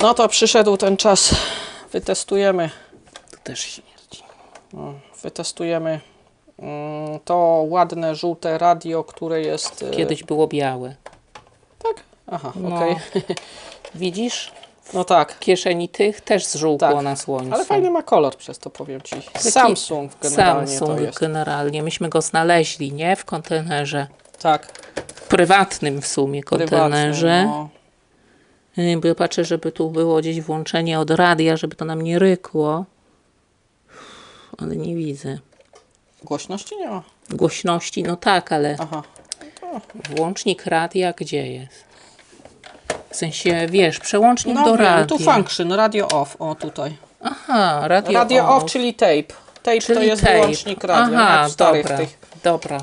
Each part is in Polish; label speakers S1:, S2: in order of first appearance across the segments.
S1: No to przyszedł ten czas. Wytestujemy.
S2: To też śmierdzi.
S1: Wytestujemy to ładne, żółte radio, które jest...
S2: Kiedyś było białe.
S1: Tak? Aha,
S2: No.
S1: okej.
S2: Widzisz?
S1: No tak.
S2: W kieszeni tych też zżółkło
S1: Tak.
S2: na słońcu.
S1: Ale fajny ma kolor przez to, powiem Ci.
S2: Taki
S1: Samsung generalnie
S2: Samsung
S1: to jest.
S2: generalnie. Myśmy go znaleźli, nie? W kontenerze.
S1: Tak.
S2: Prywatnym w sumie kontenerze.
S1: No.
S2: Bo ja patrzę, żeby tu było gdzieś włączenie od radia, żeby to nam nie rykło. Ale nie widzę.
S1: Głośności nie ma.
S2: Głośności, no tak, ale
S1: Aha.
S2: włącznik radia gdzie jest? W sensie, wiesz, przełącznik
S1: No
S2: do
S1: wiem,
S2: radia.
S1: tu function, radio off, o tutaj.
S2: Aha, radio,
S1: Radio off, czyli tape. Tape to
S2: Czyli
S1: jest
S2: tape.
S1: wyłącznik radia,
S2: Aha,
S1: jak w starych
S2: dobra,
S1: tych.
S2: dobra.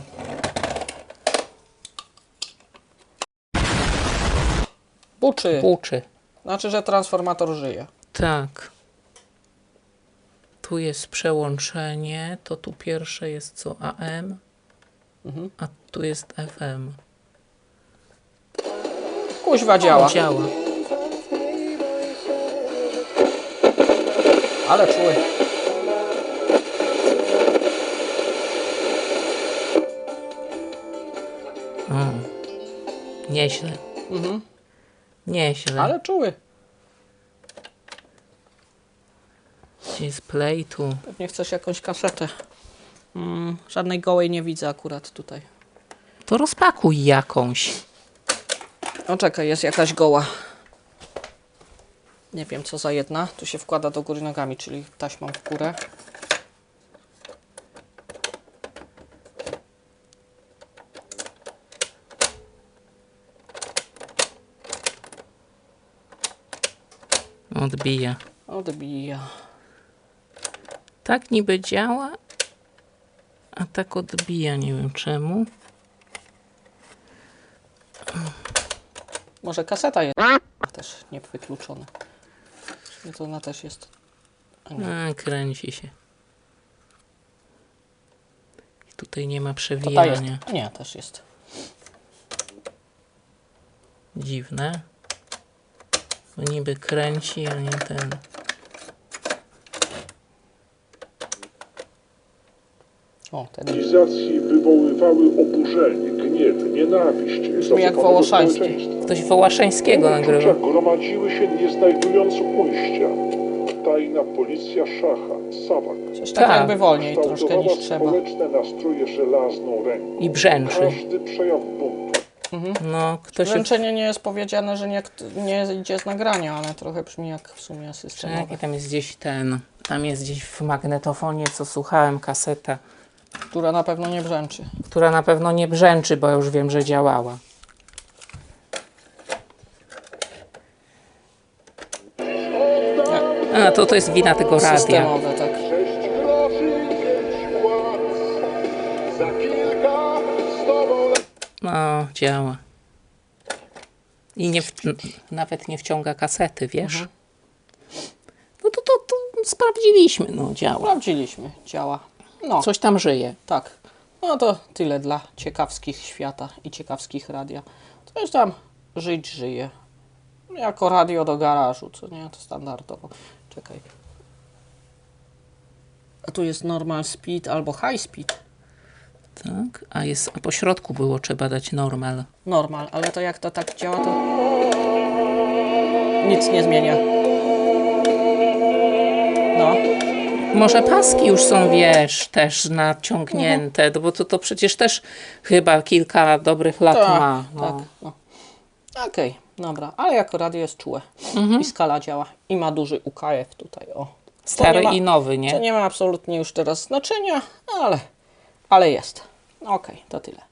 S1: Buczy.
S2: Buczy.
S1: Znaczy, że transformator żyje.
S2: Tak. Tu jest przełączenie, to tu pierwsze jest co? AM, a tu jest FM.
S1: Kuźwa działa.
S2: Działa.
S1: Ale czuły.
S2: Nieźle. Nieźle.
S1: Ale czuły.
S2: Gdzie jest play tu?
S1: Pewnie chcesz jakąś kasetę. Żadnej gołej nie widzę akurat tutaj.
S2: To rozpakuj jakąś.
S1: O czekaj, jest jakaś goła. Nie wiem co za jedna. Tu się wkłada do góry nogami, czyli taśmą w górę.
S2: Odbija.
S1: Odbija.
S2: Tak niby działa, a tak odbija, nie wiem czemu.
S1: Może kaseta jest też nie wykluczona. Czyli to ona też jest.
S2: A, kręci się. I tutaj nie ma
S1: To ta jest.
S2: przewijania.
S1: Nie, też jest.
S2: Dziwne. Bo niby kręci, a nie ten.
S1: O, ten.
S3: Cywilizacji wywoływały oburzenie, gniew, nienawiść.
S1: Brzmi jak Wołoszański.
S2: Ktoś Wołaszańskiego nagrywa.
S3: Uczucia gromadziły się, nie znajdując ujścia. Tajna policja szacha, Sawak,
S1: Coś tak jakby wolniej troszkę
S3: kształtowała
S1: niż trzeba.
S3: społeczne nastroje żelazną ręką.
S2: I brzęczy.
S3: Każdy przejaw buntu.
S2: No, ktoś...
S1: Wręczenie nie jest powiedziane, że nie idzie z nagrania, ale trochę brzmi jak w sumie systemowe.
S2: Czekaj, tam jest gdzieś ten... Tam jest gdzieś w magnetofonie, co słuchałem, kaseta,
S1: Która na pewno nie brzęczy.
S2: która na pewno nie brzęczy, bo już wiem, że działała. A, to jest wina tego radia.
S1: Systemowe, tak.
S3: 6 groszy, 5 płac. Za kilka z tobą
S2: No, działa. I nawet nie wciąga kasety, wiesz? No to sprawdziliśmy, no działa.
S1: Sprawdziliśmy, działa. No,
S2: Coś tam żyje.
S1: tak. No to tyle dla ciekawskich świata i ciekawskich radia. Coś tam żyć żyje. Jako radio do garażu, co nie? To standardowo. Czekaj. A tu jest normal speed albo high speed.
S2: Tak, a po środku było trzeba dać normal.
S1: Normal, ale to jak to tak działa, to nic nie zmienia. No.
S2: Może paski już są, wiesz, też naciągnięte, bo to przecież też chyba kilka dobrych lat
S1: Tak,
S2: ma.
S1: tak.
S2: No.
S1: No. Okej, dobra, ale jako radio jest czułe. I skala działa. I ma duży UKF tutaj, o.
S2: Stary
S1: To nie ma-
S2: i nowy,
S1: To
S2: nie?
S1: nie ma absolutnie już teraz znaczenia, ale jest. Okej, to tyle.